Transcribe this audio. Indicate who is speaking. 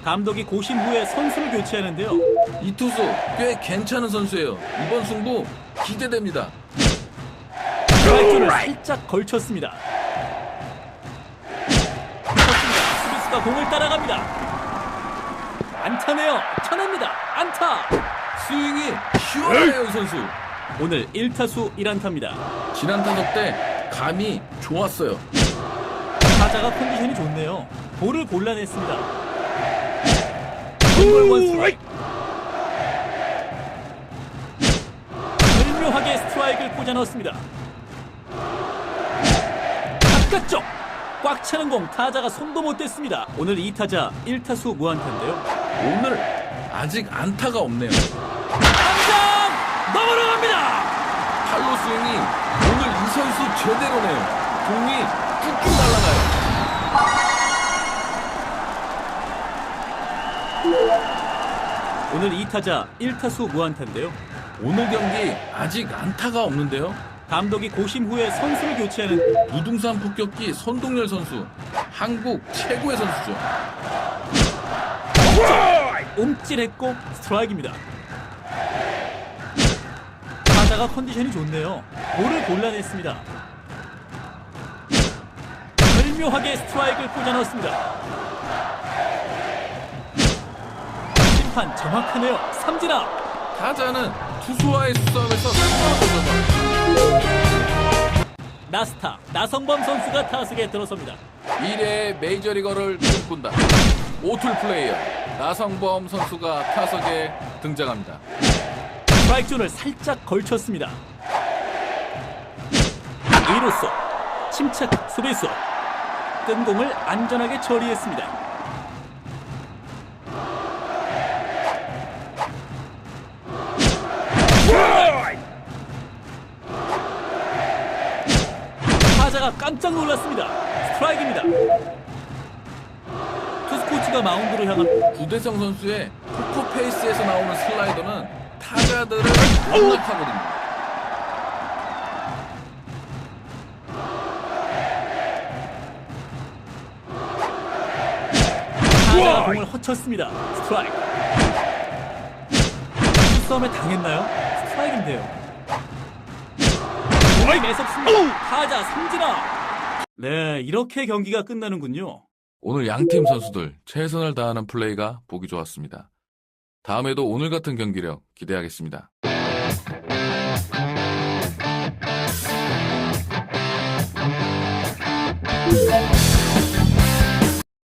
Speaker 1: 감독이 고심 후에 선수를 교체하는데요.
Speaker 2: 이 투수 꽤 괜찮은 선수예요. 이번 승부 기대됩니다.
Speaker 1: 스트라이크를 살짝 걸쳤습니다. 수비수가 공을 따라갑니다. 안타네요. 쳐냅니다. 안타.
Speaker 2: 스윙이 시원해요, 이 선수.
Speaker 1: 오늘 1타수 1안타입니다.
Speaker 2: 지난 타석 때 감이 좋았어요.
Speaker 1: 타자가 컨디션이 좋네요. 볼을 골라냈습니다. 원볼 원스트라이크. 절묘하게 스트라이크를 꽂아 넣었습니다. 바깥쪽 꽉 차는 공 타자가 손도 못 댔습니다. 오늘 2타자 1타수 무안타인데요.
Speaker 2: 오늘 아직 안타가 없네요.
Speaker 1: 당장 넘어갑니다.
Speaker 2: 팔로 스윙이 오늘 이 선수 제대로네요. 공이 쭉쭉 날아가요.
Speaker 1: 오늘 2타자 1타수 무안타인데요.
Speaker 2: 오늘 경기 아직 안타가 없는데요.
Speaker 1: 감독이 고심 후에 선수를 교체하는
Speaker 2: 무등산 폭격기 손동열 선수, 한국 최고의 선수죠.
Speaker 1: 움찔했고 스트라이크입니다. 타자가 컨디션이 좋네요. 볼을 골라냈습니다. 절묘하게 스트라이크를 꽂아 넣었습니다. 심판 정확하네요. 삼진아.
Speaker 2: 타자는 투수와의 수싸움에서 승부를
Speaker 1: 나스타 나성범 선수가 타석에 들어섭니다.
Speaker 2: 미래의 메이저리거를 꿈꾼다. 오툴 플레이어 나성범 선수가 타석에 등장합니다.
Speaker 1: 스트라이크 존을 살짝 걸쳤습니다. 2루수 침착 수비수 뜬 공을 안전하게 처리했습니다. 타자가 깜짝 놀랐습니다. 스트라이크입니다. 투수 코치가 마운드로 향한
Speaker 2: 구대성 선수의 포커페이스에서 나오는 슬라이더는 타자들을 농락하거든요.
Speaker 1: 타자가 공을 허쳤습니다. 스트라이크. 싸움에 당했나요? 스트라이크인데요. 공이 매섭습니다. 타자 삼진아. 네, 이렇게 경기가 끝나는군요.
Speaker 2: 오늘 양팀 선수들 최선을 다하는 플레이가 보기 좋았습니다. 다음에도 오늘 같은 경기력 기대하겠습니다.